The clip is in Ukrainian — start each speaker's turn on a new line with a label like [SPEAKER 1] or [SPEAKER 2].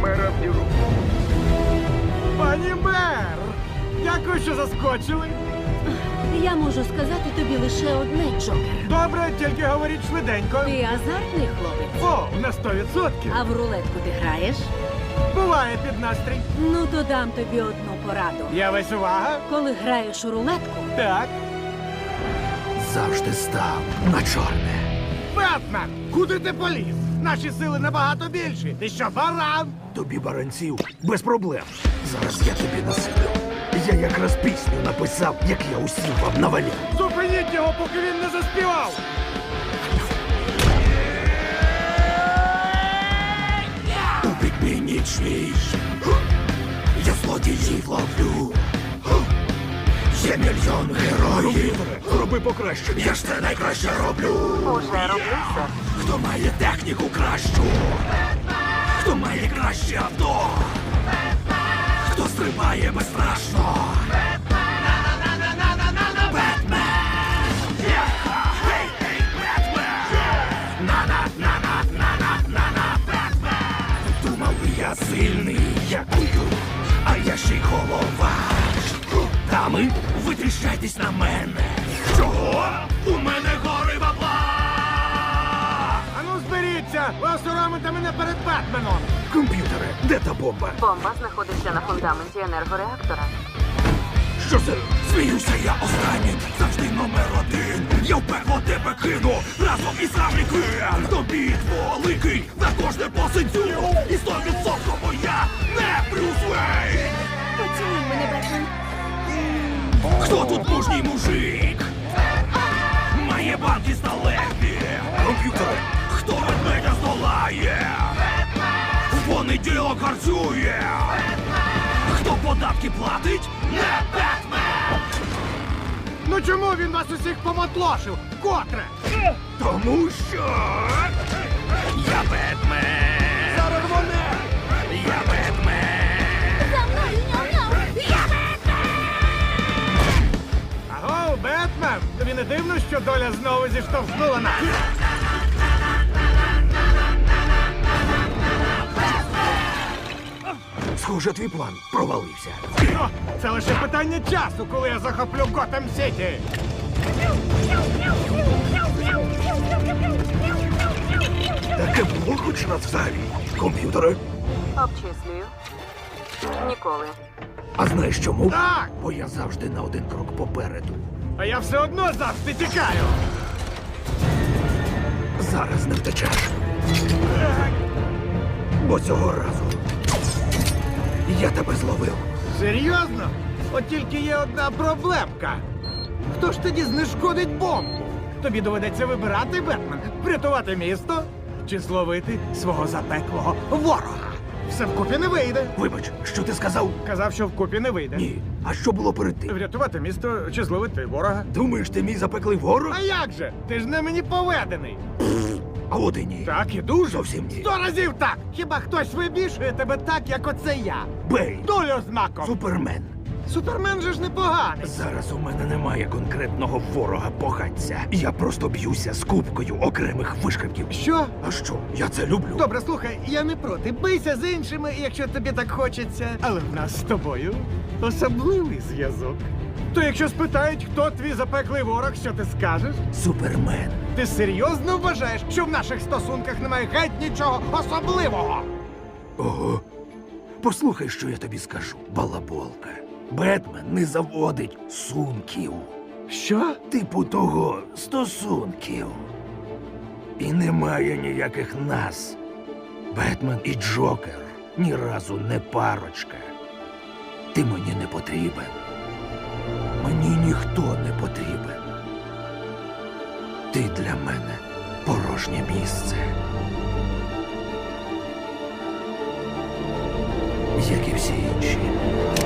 [SPEAKER 1] мера в діру.
[SPEAKER 2] Пані мер! Дякую, що заскочили.
[SPEAKER 3] Я можу сказати тобі лише одне, Джокер.
[SPEAKER 2] Добре, тільки говоріть швиденько.
[SPEAKER 3] Ти азартний хлопець.
[SPEAKER 2] О, на 100%.
[SPEAKER 3] А в рулетку ти граєш?
[SPEAKER 2] Буває під настрій.
[SPEAKER 3] Ну, то дам тобі одну пораду.
[SPEAKER 2] Я весь увага.
[SPEAKER 3] Коли граєш у рулетку,
[SPEAKER 2] Так.
[SPEAKER 4] Завжди став на чорне.
[SPEAKER 2] Бетмен, куди ти поліз? Наші сили набагато більші. Ти що, баран?
[SPEAKER 4] Тобі баранців без проблем. Зараз я тобі насиплю. Я якраз пісню написав, як я усім вам навалю.
[SPEAKER 2] Зупиніть його, поки він не заспівав.
[SPEAKER 4] У підміні чвій. Я злодіїв ловлю. Є мільйон героїв. Роби покраще. Я ж це найкраще роблю.
[SPEAKER 5] Уже роблю, сер.
[SPEAKER 4] Хто має техніку кращу? Хто має краще авто? Хто стрибає безстрашно? Бетмен! Гей, гей, Бетмен! На-на-на-на-на-на-на-на, Бетмен! Думав, я сильний, якую, а я ще й голова. Дами, витріщайтесь на мене. Чого? У мене гори бабла!
[SPEAKER 2] Ану, зберіться! Ви осоромите мене перед Бетменом!
[SPEAKER 4] Комп'ютере, де та бомба?
[SPEAKER 5] Бомба знаходиться на фундаменті енергореактора.
[SPEAKER 4] Що це? Сміюся я останнім, завжди номер один. Я в пекло тебе кину, разом із Харлі-Квін. Тобі великий, на кожне посидю. І 100% я не Брюс Вейн.
[SPEAKER 3] поцілуй мене, Бетмен.
[SPEAKER 4] Хто тут мужній мужик? Має банки сталеві. Комп'ютери, хто ведмедя здолає? В понеділок харцює. Хто податки платить? Не Бетмен!
[SPEAKER 2] Ну чому він вас усіх поматлошив? Котре?
[SPEAKER 4] Тому що я Бетмен!
[SPEAKER 2] Зараз вони!
[SPEAKER 4] Я Бетмен!
[SPEAKER 3] За мною, няу-няу!
[SPEAKER 2] Аго, Бетмен! Тобі не дивно, що доля знову зіштовхнула нас?
[SPEAKER 4] Схоже, твій план провалився.
[SPEAKER 2] О, це лише питання часу, коли я захоплю Готэм Сіті.
[SPEAKER 4] Таке було хоч раз взагалі. Комп'ютери.
[SPEAKER 5] Обчислюю. Ніколи.
[SPEAKER 4] А знаєш чому?
[SPEAKER 2] Так!
[SPEAKER 4] Бо я завжди на один крок попереду.
[SPEAKER 2] А я все одно завжди тікаю.
[SPEAKER 4] Зараз не втечеш. Бо цього разу я тебе зловив.
[SPEAKER 2] Серйозно? От тільки є одна проблемка. Хто ж тоді знешкодить бомбу? Тобі доведеться вибирати, Бетмен, врятувати місто чи зловити свого запеклого ворога. Все вкупі не вийде.
[SPEAKER 4] Вибач, що ти сказав?
[SPEAKER 2] Казав, що вкупі не вийде.
[SPEAKER 4] Ні. А що було перед тим?
[SPEAKER 2] Врятувати місто чи зловити ворога.
[SPEAKER 4] Думаєш, ти мій запеклий ворог?
[SPEAKER 2] А як же? Ти ж не мені поведений.
[SPEAKER 4] А от і ні.
[SPEAKER 2] Так і дуже.
[SPEAKER 4] Зовсім ні.
[SPEAKER 2] 100 разів так! Хіба хтось вибішує тебе так, як оце я?
[SPEAKER 4] Бей!
[SPEAKER 2] Долю знаком!
[SPEAKER 4] Супермен!
[SPEAKER 2] Супермен же ж непоганий.
[SPEAKER 4] Зараз у мене немає конкретного ворога погадця. Я просто б'юся з купкою окремих вишкрипків.
[SPEAKER 2] Що?
[SPEAKER 4] А що? Я це люблю.
[SPEAKER 2] Добре, слухай, я не проти. Бийся з іншими, якщо тобі так хочеться. Але в нас з тобою особливий зв'язок. То якщо спитають, хто твій запеклий ворог, що ти скажеш?
[SPEAKER 4] Супермен.
[SPEAKER 2] Ти серйозно вважаєш, що в наших стосунках немає геть нічого особливого?
[SPEAKER 4] Ого. Послухай, що я тобі скажу, балаболка. Бетмен не заводить сумків.
[SPEAKER 2] Що?
[SPEAKER 4] Типу того стосунків. І немає ніяких нас. Бетмен і Джокер ні разу не парочка. Ти мені не потрібен. Мені ніхто не потрібен. Ти для мене порожнє місце. Як і всі інші.